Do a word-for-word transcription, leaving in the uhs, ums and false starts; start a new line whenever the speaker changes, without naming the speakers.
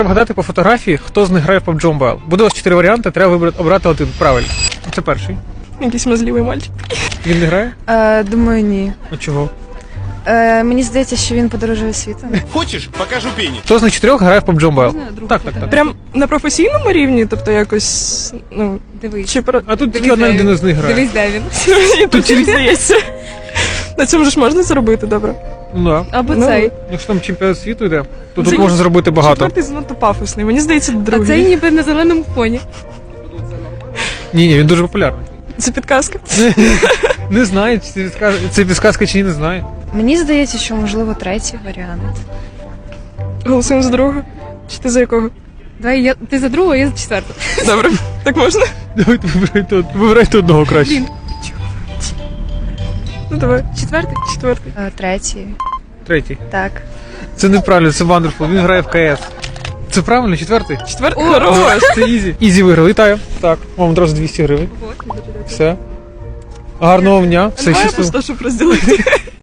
Вгадати по фотографії, хто з них грає в паб джі Mobile. Буде у вас чотири варіанти, треба вибрати, обрати один. Правильно. Це перший.
Якийсь мазливий мальчик.
Він не грає?
Е, думаю, ні.
А чого?
Е, мені здається, що він подорожує світом.
Хочешь, покажу пени.
Хто з них чотирьох грає в паб джі Mobile? Так, так, так.
Прям на професійному рівні, тобто якось, ну,
Дивись.
чи про...
А тут тільки одна людина з них грає.
Дивись, де він.
Мені тут тільки здається. На цьому ж можна заробити, добре.
Ну, да.
Або
Ну,
цей.
Якщо там чемпіонат світу йде, то
Це
тут можна зробити багато.
Четвертий занадто пафосний, мені здається,
А
другий.
цей ніби на зеленому фоні.
Ні, ні, він дуже популярний.
Це підказка.
Не знаю, чи це підказка, це підказка чи ні, не знаю.
Мені здається, що можливо третій варіант.
Голосуємо за другого. Чи ти за якого?
Давай я ти за другого, я за четвертого.
Добре, так можна?
Давайте вибирайте, од- вибирайте одного краще.
Блін.
Ну давай.
Четвертий?
Четвертий.
Е, третій.
Третій.
Так.
Це неправильно, це Wonderful, він грає в КС. Це правильно, четвертий?
Четвертий. Хорош.
Це Ізі. Ізі виграв, вітаю. Так, вам одразу двісті гривень. Все. Гарного дня. Все
Немає
щасливо.
просто, щоб розділити.